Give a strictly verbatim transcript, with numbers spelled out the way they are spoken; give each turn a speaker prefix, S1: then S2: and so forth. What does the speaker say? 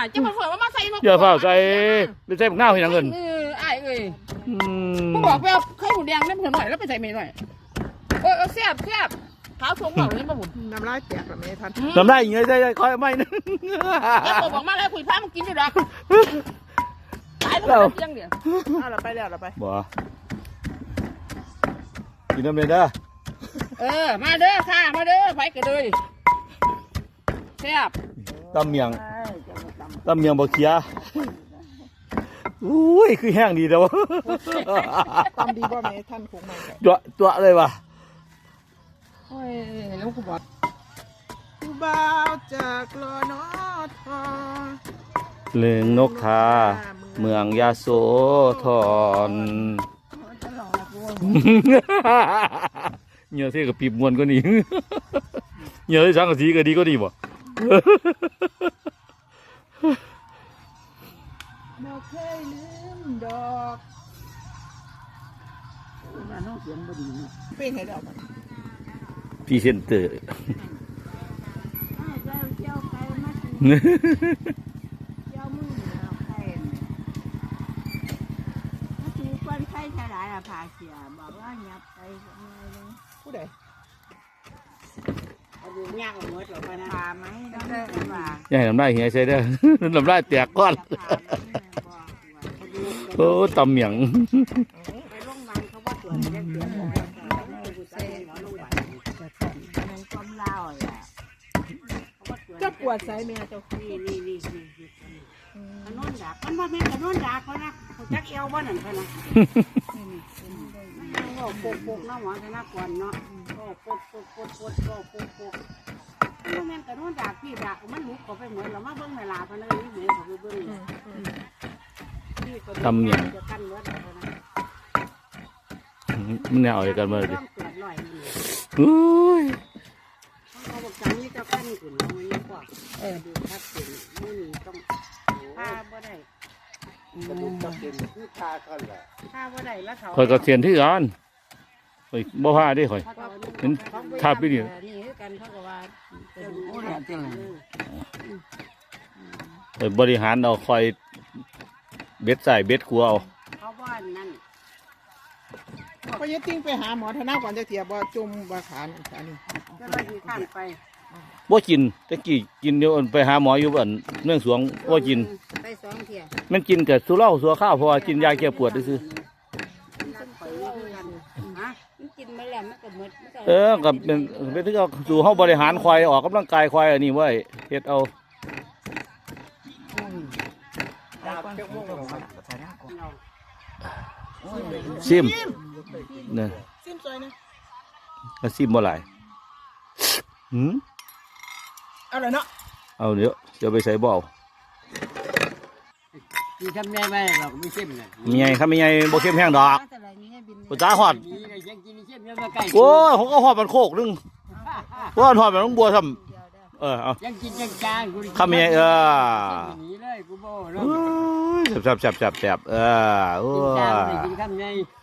S1: จะมาเผื่อว่ามาใส่นก
S2: อย่าเฝ้าใจไปใส่บักหน้าให้นางเงิน
S1: เออไอ้เอ้ย
S2: อืม
S1: กูบอกไปเอาไข่หมูแดงน้ำเผือกหน่อยแล้วไปใส่เมย์หน่อยเออแซ่บแซ่บขาวทงเหล่านี้มาหมุน
S3: น้ำลายแตกแบบนี้ทัน
S2: ทำได้ยังไงได้ได้คอยไม่นึง
S1: แล้วบอกมาแล้วคุยพามันกินอยู่ดอกตายแล้วยังเดียว
S3: เอาเราไปแล้วเราไป
S2: บ่กินน้ำเลยเด้อ
S1: เออมาเด้อค่ะมาเด้อไปกันเลยแซ่บ
S2: ตำเมียงตำเมียงบ่เคียอุ้ยคือแห้งดีแล้ว
S3: ทำดีบ่แม่ท่านคงมา
S2: ตัวตัวเลยว่ะ
S1: โอ้ยแล้วกูบอก
S3: ผู้บ่าวจากลอนอทอ
S2: เลืองนกทาเมืองยาโสธรเหงื่อเท่กับปีบมวนก็นี่ เหงื่อที่สังกะสีก็ดีก็ดีบ่
S3: บ่เคยลืมดอก
S1: มาน้องเสียงบ่ดี
S3: เป็นให้ดอกมัน
S2: พรีเซนเตอร์
S4: เจ้าเจ้าไปมาถึงเจ้ามือเราใครมาถึงคนไข้ทลายละพาเสียบอกว่ายับไปยังไงเลย
S3: ผู้ใด
S1: เอาดูยากกว่าเมื่อหรอกนะ
S4: พาไหมน้องแต่ว่า
S2: อย่าให้น้ำได้เหี่ยใช่เด้อ น้ำได้แตกก้อน โอ้ตำเมียง
S1: ไปโรงพยาบาลเขาว่าตรวจเสียงเสียงบอกว่ากูใส่หมอโรงพยาบาล
S4: มันความเล่าแหละ
S3: เจ้าปวดใส่แม่เจ้า
S1: นี่นี่นี่นี่กระนอนดากมันว่าแม่กระนอนดากเขานะเขาจักเอวบ้านนั่นเขานะก็โปกโปกน้ำหวานชนะก่อนเนาะก็โปกโปกโปกโปกก็โปกโปกมันแม่กระนอนดากพี่ดากมันลุกเขาไปเหมือนเรามาเบิ้งในลาพันเลยนี่เหมือนเขาไปเบิ้งจะกันเวิร์ดเขานะ
S2: มันแนวอะไรกันมาดิ
S1: ต้องเกิดลอยนี่
S2: อุ้ย
S1: เขาบอกจังนี่เจ้าขั้นขึ้นมันนี่กว่าเออดูทับเสียงมือต้องพาบ่ได้
S5: กระดูกจะเป็นคือทากันแหละ
S1: พาบ่ได้แล้วเขา
S2: คอยกับเสียนที่ร้านคอยบ่พาดิคอย เห็นภาพวิดีโอ
S1: นี่คือกันเขาก็ว่าเป็นโอ้ยจริง
S2: คอยบริหารเอาคอยเบ็ดใส่เบ็ดขัวเอา
S1: เขาว่านั่น
S3: พอจะติ้งไปหาหมอธนาก่อนจะเทียบว่าจุ่มว่าขานอันนี้
S1: ก็เลยที่ข้านไป
S2: บ่กินตะกี้กินเดี๋ยวไปหาหมออยู่บ้านเมืองสวงบ่กิน
S1: ไปสองเที่ย
S2: มันกินกับสุเหล้าสัวข้าวเพราะว่ากินยาแก้ปวดซื่อ
S4: กินไปแล้วมันก็หมด
S2: เออกับเป็นเป็นที่เขาสู่เฮาบริหารควายออกกำลังกายควายอันนี้ไว้เฮ็ดเอา
S5: ดาบเจ้าโม่ง
S2: ซิมเนี่ย
S3: ซิมซอยนะ
S2: ก็ซิมบ่หลายหืม
S3: เอาเลยเนาะ
S2: เอาเดี๋ยวจะไปใส่บ่เอา
S5: ที่ทำแม่แม่เราไม่เข้มเลย
S2: มีไงครับมีไงบ่เข้มแห้งดอก
S4: แต่ละนี้บิน
S2: บ่จ้าฮอด
S5: นี่เลยยังกินเข้มยังมาใกล้
S2: โอ้ยผมก็ฮอดมันโคกนึงว่าฮอดมันต้องบัวทำเออเอา
S5: ยังกินยังจางกู
S2: คำมีไงเออ
S5: หนีเลยกูโบ้
S2: เอ้ยแซ่บแซ่บแซ่บแซ่บเออโอ้
S5: กินจาง
S2: ย
S5: เลยกินข้ามไง